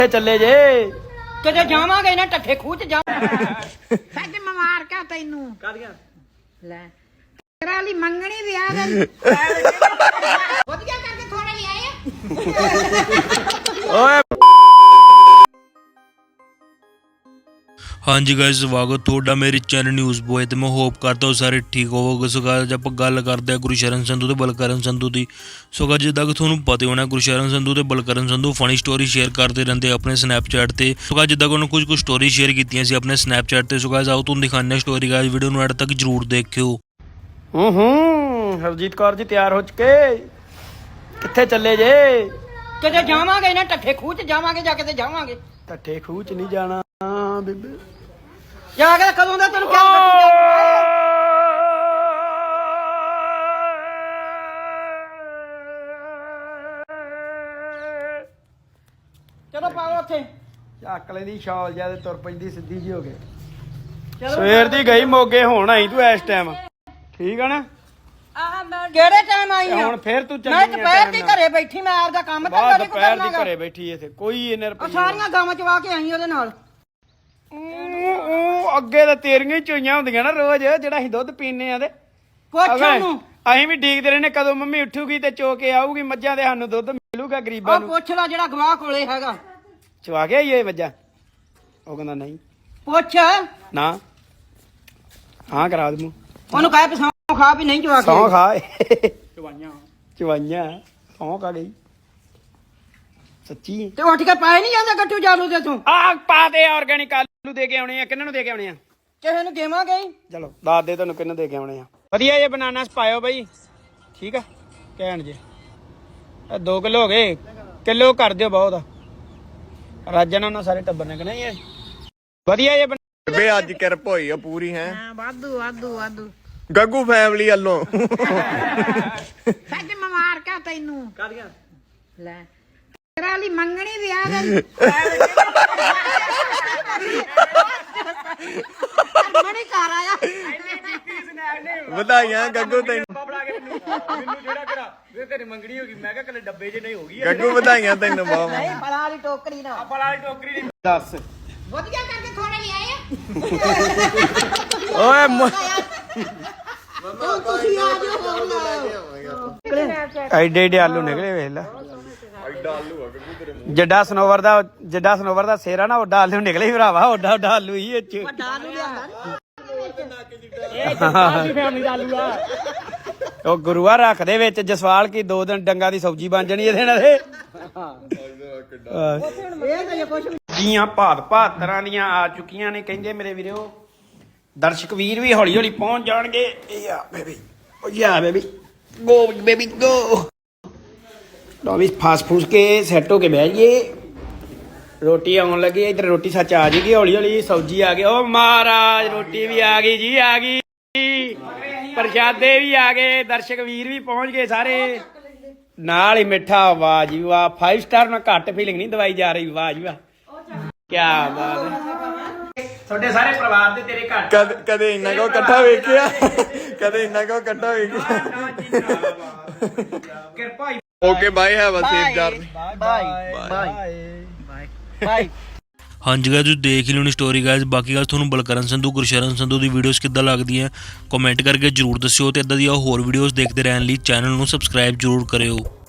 ਚੱਲੇ ਜੇ ਕਿਤੇ ਜਾਵਾਂਗੇ ਨਾ ਟੱਠੇ ਖੂਹ ਚ ਜਾ ਸੱਜ ਮਮਾਰ ਕਾ ਤੈਨੂੰ ਕਾਦੀਆਂ ਲੈ ਤੇਰਾ ਲਈ ਮੰਗਣੀ ਵੀ ਆ ਗਈ ਵਧੀਆ ਕਰਕੇ ਥੋੜੇ ਲਈ ਆਏ ਓਏ ਹਾਂਜੀ ਗਾਇਸ ਸਵਾਗਤ ਤੁਹਾਡਾ ਮੇਰੇ ਚੈਨਲ ਨਿਊਜ਼ ਬੋਏ ਤੇ ਮੈਂ ਹੋਪ ਕਰਦਾ ਹਾਂ ਸਾਰੇ ਠੀਕ ਹੋਵੋਗੇ। ਸੋ ਗਾਇਸ ਆਪਾਂ ਗੱਲ ਕਰਦੇ ਹਾਂ ਗੁਰਸ਼ਰਨ ਸੰਧੂ ਤੇ ਬਲਕਰਨ ਸੰਧੂ ਦੀ। ਸੋ ਗਾਇਸ ਜਿੱਦਾਂ ਕਿ ਤੁਹਾਨੂੰ ਪਤਾ ਹੋਣਾ ਗੁਰਸ਼ਰਨ ਸੰਧੂ ਤੇ Balkaran Sandhu funny story share ਕਰਦੇ ਰਹਿੰਦੇ ਆਪਣੇ ਸਨੈਪਚੈਟ ਤੇ। ਸੋ ਗਾਇਸ ਜਿੱਦਾਂ ਕਿ ਉਹਨਾਂ ਕੁਝ ਸਟੋਰੀ ਸ਼ੇਅਰ ਕੀਤੀਆਂ ਸੀ ਆਪਣੇ ਸਨੈਪਚੈਟ ਤੇ। ਸੋ ਗਾਇਸ ਆਓ ਤੁਹਾਨੂੰ ਦਿਖਾਉਂਦੇ ਹਾਂ ਸਟੋਰੀ। ਗਾਇਸ ਵੀਡੀਓ ਨੂੰ ਐਡ ਤੱਕ ਜਰੂਰ ਦੇਖਿਓ। ਹਰਜੀਤ ਕੌਰ ਜੀ ਤਿਆਰ ਹੋ ਚੁੱਕੇ, ਕਿੱਥੇ ਚੱਲੇ ਜੇ? ਕਿਤੇ ਜਾਵਾਂਗੇ ਨਾ ਟੱਠੇ ਖੂਹ ਚ ਜਾਵਾਂਗੇ, ਜਾ ਕਿਤੇ ਜਾਵਾਂਗੇ ਟੱਠੇ ਖੂਹ ਚ ਨਹੀਂ ਜਾਣਾ ਬੀਬੇ, ਜਾ ਕੇ ਕਦੋਂ ਦਾ ਤੈਨੂੰ ਕਿਹਾ ਬੱਟੂ ਚਲੋ ਪਾਓ ਉੱਥੇ ਚੱਕਲੇ ਦੀ ਸ਼ਾਲ ਜਿਆ ਤੇ ਤੁਰ ਪੈਂਦੀ ਸਿੱਧੀ ਜੀ ਹੋ ਕੇ। ਚਲੋ ਸਵੇਰ ਦੀ ਗਈ ਮੋਗੇ, ਹੁਣ ਆਈ ਤੂੰ ਇਸ ਟਾਈਮ, ਠੀਕ ਆ ਨਾ? ਆਹ ਮੈਂ ਕਿਹੜੇ ਟਾਈਮ ਆਈ ਤੇ ਆ? ਹੁਣ ਫੇਰ ਤੂੰ ਚੱਲੀ ਮੈਂ ਆ ਦੁਪਹਿਰ ਦੀ ਘਰੇ ਬੈਠੀ, ਮੈਂ ਆਪਦਾ ਕੰਮ ਤਾਂ ਬਾਅਦ ਕਦੇ ਦੁਪਹਿਰ ਦੀ ਕਰਨਾਗਾ। ਘਰੇ ਬੈਠੀ ਇੱਥੇ ਕੋਈ ਇਹਨੇ ਉਹ ਰੁਪਈਏ ਸਾਰੀਆਂ ਗਾਵਾਂ ਚਵਾ ਕੇ ਆਈ ਉਹਦੇ ਨਾਲ। ਉਹ ਅੱਗੇ ਤਾਂ ਤੇਰੀਆਂ ਹੀ ਚੋਈਆਂ ਹੁੰਦੀਆਂ ਨਾ ਰੋਜ਼, ਜਿਹੜਾ ਅਸੀਂ ਦੁੱਧ ਪੀਨੇ ਆ ਤੇ ਪੁੱਛ ਅਵੇ, ਉਹਨੂੰ, ਅਸੀਂ ਵੀ ਡੀਕਦੇ ਰਹਿੰਦੇ ਕਦੋਂ ਮੰਮੀ ਉੱਠੂਗੀ ਤੇ ਚੋ ਕੇ ਆਊਗੀ ਮੱਝਾਂ ਦੇ, ਸਾਨੂੰ ਦੁੱਧ ਮਿਲੂਗਾ ਗਰੀਬਾਂ ਉਹ ਨੂੰ। ਪੁੱਛ ਲੈ ਜਿਹੜਾ ਗਵਾਹ ਕੋਲੇ ਹੈਗਾ, ਚਵਾ ਕੇ ਆਈਏ ਮੱਝਾਂ? ਉਹ ਕਹਿੰਦਾ ਨਹੀਂ ਪੁੱਛ ਨਾ, ਹਾਂ ਕਰਾ ਦੂੰ। ਉਹਨੂੰ ਕਹਿ ਪਸਾਂ ਖਾ ਵੀ ਨਹੀਂ ਚਵਾ ਕੇ ਸੌਂ ਆਈ। ਖਾ ਚਵਾਈਆਂ ਸੌਂ ਕਾ ਗਈ ਸੱਚੀ। ਤੇ ਉੱਠ ਕੇ ਪਾਏ ਨਹੀਂ ਜਾਂਦੇ ਗੱਟੂ ਜਾਲੂ ਦੇ ਤੂੰ, ਆ ਪਾ ਦੇ ਆਰਗੈਨਿਕ ਆਲੂ ਦੇ ਕੇ ਆਉਣੇ ਆ। ਕਿੰਨਾਂ ਨੂੰ ਦੇ ਕੇ ਆਉਣੇ ਆ? ਕਿਸੇ ਨੂੰ ਦੇਵਾਂਗੇ ਹੀ। ਚਲੋ ਦੱਸ ਦੇ ਤੁਹਾਨੂੰ ਕਿੰਨੂੰ ਦੇ ਕੇ ਆਉਣੇ ਆ। ਵਧੀਆ ਜੇ ਬਨਾਨਾ ਪਾਇਓ ਬਾਈ, ਠੀਕ ਆ? ਕਹਿਣ ਜੇ 2 ਕਿਲੋ ਹੋ ਗਏ, ਕਿਲੋ ਕਰ ਦਿਓ ਬਹੁਤ ਆ। ਰਾਜਨ ਉਹਨਾਂ ਸਾਰੇ ਟੱਬਰ ਨੇ ਕਹਿੰਦੇ ਇਹ ਵਧੀਆ ਜੇ ਬੇ ਅੱਜ ਕਿਰਪ ਹੋਈ ਆ ਪੂਰੀ ਹੈ। ਹਾਂ ਵਾਧੂ ਵਾਧੂ ਵਾਧੂ ਗੱਗੂ ਫੈਮਿਲੀ ਵੱਲੋਂ ਸੱਜ ਮਮਾਰ ਕਾ ਤੈਨੂੰ ਕਾਦੀਆਂ ਲੈ ਤੇਰਾ ਲਈ ਮੰਗਣੀ ਵੀ ਆ ਗਈ ਮਣੀ ਘਰ ਆਇਆ ਵਧਾਈਆਂ ਗੱਗੂ ਤੈਨੂੰ, ਤੇਰੀ ਮੰਗਣੀ ਹੋ ਗਈ। ਮੈਂ ਕਿਹਾ ਕੱਲੇ ਡੱਬੇ ਜੇ ਨਹੀਂ ਹੋ ਗਈ ਗੱਗੂ ਵਧਾਈਆਂ ਤੈਨੂੰ ਬਹੁਤ। ਨਹੀਂ ਬਲਾ ਵਾਲੀ ਟੋਕਰੀ ਨਾ, ਵਾਲੀ ਟੋਕਰੀ ਦੀ। ਦੱਸ ਵਧੀਆ ਕਰਕੇ ਥੋੜੇ ਲਈ ਆਏ ਓਏ ਤੁਸੀਂ ਆ ਜਾਓ ਹੋਰ ਲਾਓ ਐਡੇ ਐਡੇ ਆਲੂ ਨਿਕਲੇ ਵੇਖ ਲੈ। ਜੱਡਾ ਸਨੋਵਰ ਦਾ ਸੇਰਾ ਨਾ ਓਡਾ ਆਲੂ ਨਿਕਲੇ ਸੀ ਭਰਾਵਾ, ਓਡਾ ਓਡਾ ਆਲੂ ਹੀ ਇਹ ਚ। ਵੱਡਾ ਨੂੰ ਲਿਆਂਦਾ ਉਹ ਗੁਰੂਆ ਰੱਖ ਦੇ ਵਿੱਚ ਜਸਵਾਲ ਕੀ 2 ਦਿਨ ਡੰਗਾ ਦੀ ਸਬਜ਼ੀ ਬਣ ਜਣੀ ਇਹਦੇ ਨਾਲ। ਇਹ ਤਾਂ ਜੇ ਕੁਛ ਜੀਆਂ ਭਾਤ ਤਰ੍ਹਾਂ ਦੀਆਂ ਆ ਚੁੱਕੀਆਂ ਨੇ ਕਹਿੰਦੇ ਮੇਰੇ ਵੀਰੋ। ਦਰਸ਼ਕ ਵੀਰ ਵੀ ਹੌਲੀ ਹੌਲੀ ਪਹੁੰਚ ਜਾਣਗੇ। ਯਾ ਬੇਬੀ, ਓ ਯਾ ਬੇਬੀ, ਗੋ ਬੇਬੀ ਗੋ। ਲਓ ਵੀ ਫਾਸ ਫੂਸ ਕੇ ਸੈੱਟ ਹੋ ਕੇ ਬਹਿ ਜਾਈਏ। ਰੋਟੀ ਆਉਣ ਲੱਗੀ, ਇੱਧਰ ਰੋਟੀ ਸੱਚ ਆ ਜਾਏਗੀ ਹੌਲੀ ਹੌਲੀ। ਸਬਜ਼ੀ ਆ ਗਈ, ਓ ਮਹਾਰਾਜ ਰੋਟੀ ਵੀ ਆ ਗਈ ਜੀ, ਆ ਗਈ। ਪ੍ਰਸ਼ਾਦੇ ਵੀ ਆ ਗਏ, ਦਰਸ਼ਕ ਵੀਰ ਵੀ ਪਹੁੰਚ ਗਏ ਸਾਰੇ, ਨਾਲ ਹੀ ਮਿੱਠਾ। ਵਾਹ ਜੀ ਵਾਹ, 5 ਸਟਾਰ ਨਾਲ ਘੱਟ ਫੀਲਿੰਗ ਨਹੀਂ ਦਵਾਈ ਜਾ ਰਹੀ। ਵਾਹ ਜੀ ਵਾਹ, ਕੀ ਬਾਤ ਹੈ। ਤੁਹਾਡੇ ਸਾਰੇ ਪਰਿਵਾਰ ਦੇ ਤੇਰੇ ਘਰ ਕਦੇ ਇੰਨਾ ਕੋ ਇਕੱਠਾ ਵੇਖਿਆ, ਕਦੇ ਇੰਨਾ ਕੋ ਇਕੱਠਾ ਵੇਖਿਆ। ਕਿਰਪਾ। Okay bye, have a safe journey. Bye. ਹਾਂਜੀ ਗਾਇਸ ਤੁਸੀਂ ਦੇਖ ਹੀ ਲਿਓਣੀ ਸਟੋਰੀ ਗਾਇਸ। ਬਾਕੀ ਗੱਲ ਤੁਹਾਨੂੰ ਬਲਕਰਨ ਸੰਧੂ ਗੁਰਸ਼ਰਨ ਸੰਧੂ ਦੀ ਵੀਡੀਓਜ਼ ਕਿੱਦਾਂ ਲੱਗਦੀਆਂ ਕਮੈਂਟ ਕਰਕੇ ਜਰੂਰ ਦੱਸਿਓ। ਤੇ ਇਦਾਂ ਦੀਆਂ ਹੋਰ ਵੀਡੀਓਜ਼ ਦੇਖਦੇ ਰਹਿਣ ਲਈ ਚੈਨਲ ਨੂੰ ਸਬਸਕ੍ਰਾਈਬ ਜਰੂਰ ਕਰਿਓ।